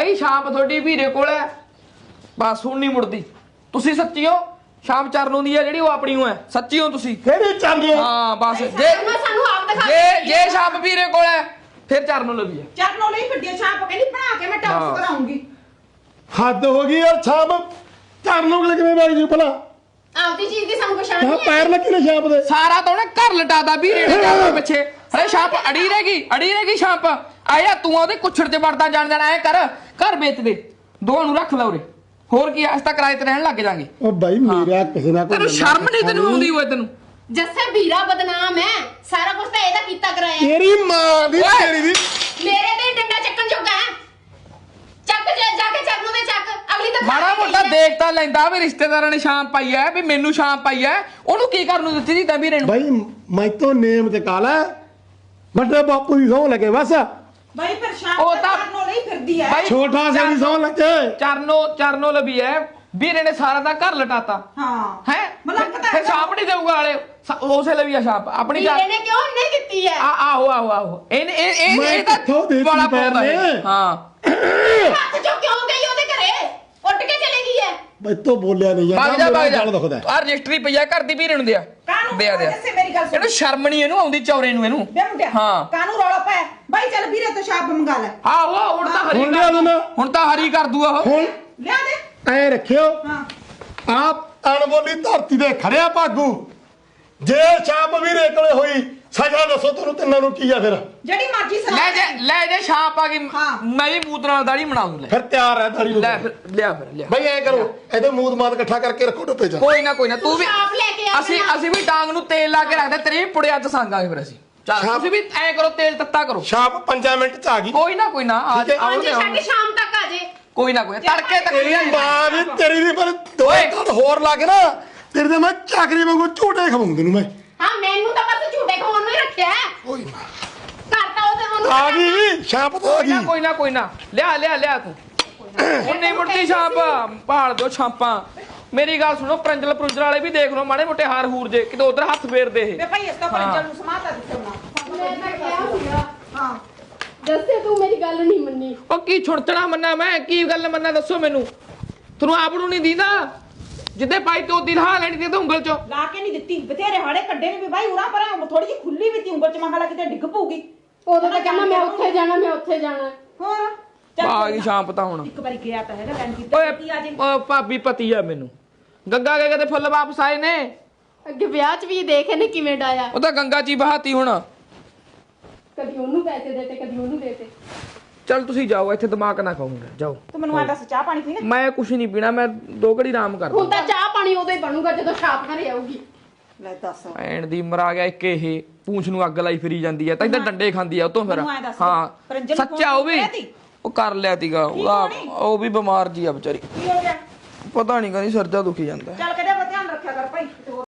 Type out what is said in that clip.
ਬਾਈ ਸ਼ਾਮ ਤੁਹਾਡੀ ਵੀਰੇ ਕੋਲ ਹੈ ਬਸ ਹੁਣ ਨਹੀਂ ਮੁੜਦੀ ਤੁਸੀਂ ਸੱਚੀ ਹੋ ਸ਼ਾਮ ਚਰਨੋਂ ਦੀ ਹੈ ਜਿਹੜੀ ਉਹ ਆਪਣੀ ਹੈ ਸੱਚੀ ਹੋ ਤੁਸੀਂ ਕਿਹੜੀ ਚੰਗੇ ਹਾਂ ਬਸ ਸਾਨੂੰ ਆਪ ਦਿਖਾ ਜੇ ਸ਼ਾਮ ਵੀਰੇ ਕੋਲ ਹੈ ਫਿਰ ਚਰਨੋਂ ਲੱਭੀ ਹੈ ਚਰਨੋਂ ਲਈ ਵੱਡੀ ਛਾਪ ਕਹਿੰਦੀ ਬਣਾ ਕੇ ਮੈਂ ਟੌਪਸ ਕਰਾਉਂਗੀ ਹੱਦ ਹੋ ਗਈ ਯਾਰ ਛਾਪ ਕਰਨ ਨੂੰ ਕਿਵੇਂ ਵਗ ਜੂ ਭਲਾ ਆਪਦੀ ਚੀਜ਼ ਦੀ ਸਾਨੂੰ ਪਛਾਣ ਤਾਂ ਨਹੀਂ ਪੈਰ ਲੱਗੇ ਨੇ ਛਾਪ ਦੇ ਸਾਰਾ ਤਾਂ ਉਹਨੇ ਘਰ ਲਟਾਦਾ ਵੀਰੇ ਨੇ ਜਾ ਪਿੱਛੇ ਅਰੇ ਛਾਪ ਅੜੀ ਰਹੇਗੀ ਛਾਪ ਆਇਆ ਤੂੰ ਉਹਦੇ ਕੁੱਛੜ 'ਚ ਵੜਦਾ ਜਾਣ ਐ ਕਰ ਘਰ ਵੇਚ ਦੇ ਦੋਵਾਂ ਨੂੰ ਰੱਖ ਲੈ ਉਰੇ ਹੋਰ ਕੀ ਅਸ ਤਾਂ ਕਿਰਾਏ ਤੇ ਰਹਿਣ ਲੱਗ ਜਾਾਂਗੇ ਉਹ ਬਾਈ ਮੇਰਾ ਕਿਸੇ ਨਾਲ ਤੈਨੂੰ ਸ਼ਰਮ ਨਹੀਂ ਤੈਨੂੰ ਆਉਂਦੀ ਓਏ ਤੈਨੂੰ ਜੱਸੇ ਵੀਰਾ ਬਦਨਾਮ ਹੈ ਸਾਰਾ ਕੁਝ ਤਾਂ ਇਹਦਾ ਕੀਤਾ ਕਰਾਇਆ ਤੇਰੀ ਮਾਂ ਦੀ ਤੇਰੀ ਦੀ ਮੇਰੇ ਤੇ ਡੰਡਾ ਚੱਕਣ ਜੋਗਾ ਹੈ ਚੱਕ ਜਾ ਕੇ ਚਰਨੋਂ ਦੇ ਚੱਕ ਅਗਲੀ ਤਾਂ ਮਾੜਾ ਮੋਟਾ ਦੇਖ ਤਾਂ ਲੈਂਦਾ ਵੀ ਰਿਸ਼ਤੇਦਾਰਾਂ ਨੇ ਸ਼ਾਮ ਪਾਈ ਐ ਵੀ ਮੈਨੂੰ ਸ਼ਾਮ ਪਾਈ ਐ ਉਹਨੂੰ ਕੀ ਕਰਨ ਨੂੰ ਦਿੱਤੀ ਸੀ ਤਾਂ ਵੀਰੇ ਨੂੰ ਬਾਈ ਮੈਂ ਤੋਂ ਨੇਮ ਤੇ ਕਾਲਾ ਵੱਡੇ ਬਾਪੂ ਦੀ ਸਹੁੰ ਲੱਗੇ ਬਸ ਬਾਈ ਪਰ ਸ਼ਾਮ ਉਹ ਤਾਂ ਚਰਨੋਂ ਲਈ ਫਿਰਦੀ ਹੈ ਬਾਈ ਛੋਟਾ ਸੇ ਦੀ ਸਹੁੰ ਲੱਗੇ ਚਰਨੋਂ ਲੱਭੀ ਐ ਵੀਰੇ ਨੇ ਸਾਰਾ ਦਾ ਘਰ ਲਟਾਤਾ ਹਾਂ ਹੈ ਮਲੰਗਦਾ ਫਿਰ ਛਾਪ ਨਹੀਂ ਦੇਊਗਾ ਵਾਲੇ ਉਸੇ ਲਈ ਆ ਛਾਪ ਆਪਣੀ ਵੀਰੇ ਨੇ ਕਿਉਂ ਨਹੀਂ ਦਿੱਤੀ ਹੈ ਆਹੋ ਇਹ ਤਾਂ ਬੜਾ ਪਾਉਂਦਾ ਹੈ ਹਾਂ ਹੱਥ ਚੋਂ ਕਿਉਂ ਗਈ ਉਹਦੇ ਘਰੇ ਉੱਡ ਕੇ ਚਲੇ ਗਈ ਹੈ ਬਾਈ ਤੋਂ ਬੋਲਿਆ ਨਹੀਂ ਭਾਗ ਮੇਰਾ ਜਾ ਗੱਲ ਦੁਖਦਾ ਆ ਰਜਿਸਟਰੀ ਪਈਆ ਘਰ ਦੀ ਵੀਰੇ ਨੂੰ ਦਿਆ ਕਾਨੂੰ ਦਿਆ ਜੱਸੇ ਮੇਰੀ ਗੱਲ ਸੁਣ ਇਹਨੂੰ ਸ਼ਰਮ ਨਹੀਂ ਇਹਨੂੰ ਆਉਂਦੀ ਚੌਰੇ ਨੂੰ ਇਹਨੂੰ ਬੇ ਮੁੰਡਿਆ ਹਾਂ ਕਾਨੂੰ ਰੌਲਾ ਪਾਇਆ ਬਾਈ ਚੱਲ ਵੀਰੇ ਤੋਂ ਛਾਪ ਮੰਗਾ ਲੈ ਆਹੋ ਹੁਣ ਤਾਂ ਹਰੀ ਹੁਣ ਲਿਆ ਦੇਣਾ ਹੁਣ ਤਾਂ ਹਰੀ ਕਰ ਦੂਆ ਉਹ ਹੁਣ ਲਿਆ ਦੇ ਐ ਰੱਖਿਓ ਹਾਂ ਆਪ ਅਣਬੋਲੀ ਧਰਤੀ ਦੇ ਖੜਿਆ ਭਾਗੂ ਜੇ ਛਾਪ ਵੀਰੇ ਕੋਲੇ ਹੋਈ ਸਜ਼ਾ ਦੱਸੋ ਤੁਹਾਨੂੰ ਤਿੰਨਾਂ ਨੂੰ ਕੀ ਆ ਫਿਰ ਜਿਹੜੀ ਮਰਜ਼ੀ ਸਲਾਹ ਲੈ ਜੇ ਛਾਪ ਆ ਗਈ ਹਾਂ। ਮੈਂ ਵੀ ਮੂਤ ਨਾਲ ਦਾੜੀ ਬਣਾ ਦੂੰ ਲੈ ਫਿਰ ਤਿਆਰ ਹੈ ਦਾੜੀ ਲੈ ਫਿਰ ਲਿਆ ਬਈ ਐ ਕਰੋ ਇਹਦੇ ਮੂਦ ਮਾਦ ਇਕੱਠਾ ਕਰਕੇ ਰੱਖੋ ਟੁੱਪੇ ਚ ਕੋਈ ਨਾ ਤੂੰ ਵੀ ਛਾਪ ਲੈ ਕੇ ਆ ਅਸੀਂ ਵੀ ਟਾਂਗ ਨੂੰ ਤੇਲ ਲਾ ਕੇ ਰੱਖਦੇ ਤੇਰੇ ਵੀ ਪੁੜਿਆ ਚ ਸੰਗਾਂਗੇ ਫਿਰ ਅਸੀਂ ਚੱਲ ਛਾਪ- ਤੁਸੀਂ ਵੀ ਐ ਕਰੋ ਤੇਲ ਤੱਤਾ ਕਰੋ ਛਾਪ 5 ਮਿੰਟ ਚ ਆ ਗਈ ਕੋਈ ਨਾ ਆ ਠੀਕ ਹੈ। ਹਾਂਜੀ ਸਾਡੀ ਸ਼ਾਮ ਤੱਕ ਆ ਜੇ ਕੋਈ ਨਾ ਤੜਕੇ ਤੱਕ ਤੇਰੀ ਮਾਂ ਵੀ ਤੇਰੀ ਵੀ ਪਰ ਦੋ ਓਏ। ਘੜ ਹੋਰ ਲਾ ਕੇ ਨਾ ਤੇਰੇ ਤੇ ਮੈਂ ਚਾਕਰੀ ਵਾਂਗੂ ਝੂਟੇ ਖਵਾਉਂ ਤੈਨੂੰ ਮੈਂ ਹਾਂ ਮੈਨੂੰ ਤਾਂ ਬਸ ਝੂਟੇ ਖਾਣ ਨੂੰ ਹੀ ਰੱਖਿਆ ਹੈ ਓਏ ਮਾਂ ਕਰਤਾ ਉਹਨੂੰ ਆ ਗਈ ਛਾਪ ਤਾਂ ਆ ਗਈ ਕੋਈ ਨਾ ਲਿਆ ਤੂੰ ਹੁਣ ਨਹੀਂ ਮੁੜਦੀ ਛਾਪ ਭਾਲ ਦੋ ਛਾਪਾਂ ਮੇਰੀ ਗੱਲ ਸੁਣੋ ਪ੍ਰੰਜਲ ਵਾਲੇ ਵੀ ਦੇਖ ਲਓ ਮਾੜੇ ਮੋਟੇ ਹਾਰ ਹੂਰ ਜੇ ਕਿਤੇ ਉਧਰ ਹੱਥ ਫੇਰਦੇ ਇਹ ਵੇ ਭਾਈ ਇਸ ਤੋਂ ਪਰੰਜਲ ਨੂੰ ਸਮਾਤਾ ਦਿੱਤਾ ਮੈਂ ਤਾਂ ਕਿਹਾ ਸੀਗਾ ਹਾਂ ਦੱਸੇ ਤੂੰ ਮੇਰੀ ਗੱਲ ਨਹੀਂ ਮੰਨੀ ਉਹ ਕੀ ਛੁੜਤਣਾ ਮੰਨਾ ਮੈਂ ਕੀ ਗੱਲ ਮੰਨਾ ਦੱਸੋ ਮੈਨੂੰ ਤੁਹਾਨੂੰ ਆਪ ਨੂੰ ਨਹੀਂ ਦੀਦਾ ਜਿੱਦੇ ਪਾਈ ਤੇ ਉਹਦੀ ਲਾ ਲੈਣੀ ਤੇ ਉਂਗਲ ਚੋਂ ਲਾ ਕੇ ਨਹੀਂ ਦਿੱਤੀ ਬਥੇਰੇ ਹਾੜੇ ਕੱਢੇ ਨੇ ਵੀ ਭਾਈ ਉਰਾ ਪਰ ਥੋੜੀ ਜਿਹੀ ਖੁੱਲੀ ਵੀ ਤੀ ਉਂਗਲ ਚ ਮਹਾਲਾ ਕਿਤੇ ਡਿੱਗ ਪਊਗੀ ਉਦੋਂ ਤਾਂ ਕਹਿੰਦਾ ਮੈਂ ਉੱਥੇ ਜਾਣਾ ਹੋਰ ਆ ਗਈ ਸ਼ਾਮ ਪਤਾ ਹੁਣ ਇੱਕ ਵਾਰੀ ਗਿਆ ਤਾਂ ਹੈਗਾ ਲੈਣ ਕੀਤਾ ਓਏ ਕੀ ਆ ਜੇ ਭਾਬੀ ਪਤੀ ਆ ਮੈਨੂੰ ਗੰਗਾ ਕੇ ਕਦੇ ਫੁੱਲ ਵਾਪਸ ਆਏ ਨੇ ਅੱਗੇ ਵਿਆਹ 'ਚ ਵੀ ਦੇਖ ਇਹਨੇ ਕਿਵੇਂ ਡਾਇਆ ਉਹ ਤਾਂ ਗੰਗਾ ਚ ਹੀ ਬਹਾਤੀ ਹੁਣ ਕਦੀ ਉਹਨੂੰ ਪੈਸੇ ਦੇਤੇ ਕਦੀ ਉਹਨੂੰ ਦੇਤੇ ਚੱਲ ਤੁਸੀਂ ਜਾਓ ਇੱਥੇ ਦਿਮਾਗ ਨਾ ਖਾਉਂਗਾ ਜਾਓ ਤੂੰ ਮੈਨੂੰ ਆ ਦੱਸ ਚਾਹ ਪਾਣੀ ਪੀਣਾ ਮੈਂ ਕੁਛ ਨਹੀਂ ਪੀਣਾ ਮੈਂ 2 ਘੜੀ ਆਰਾਮ ਕਰਦਾ ਹੁਣ ਤਾਂ ਚਾਹ ਪਾਣੀ ਉਦੋਂ ਹੀ ਬਣੂਗਾ ਜਦੋਂ ਛਾਪ ਘਰੇ ਆਊਗੀ ਲੈ ਦੱਸ ਐਣ ਦੀ ਮਰਾ ਗਿਆ ਇੱਕ ਇਹ ਪੂੰਛ ਨੂੰ ਅੱਗ ਲਾਈ ਫਿਰੀ ਜਾਂਦੀ ਐ ਤਾਂ ਇਹਦਾ ਡੰਡੇ ਖਾਂਦੀ ਆ ਉਤੋਂ ਫਿਰ ਮੈਨੂੰ ਐਂ ਦੱਸ, ਹਾਂ ਪ੍ਰੰਜਲ ਨੂੰ ਸੱਚਾ ਉਹ ਵੀ ਫੋਨ ਕਰਿਆ ਤੀ? ਉਹ ਕਰ ਲਿਆ ਤੀਗਾ ਉਹ ਵੀ ਬਿਮਾਰ ਜੀ ਆ ਵਿਚਾਰੀ ਕੀ ਹੋ ਗਿਆ ਪਤਾ ਨਹੀਂ ਕਹਿੰਦੀ ਸਰਜਾ ਦੁਖੀ ਜਾਂਦਾ ਚੱਲ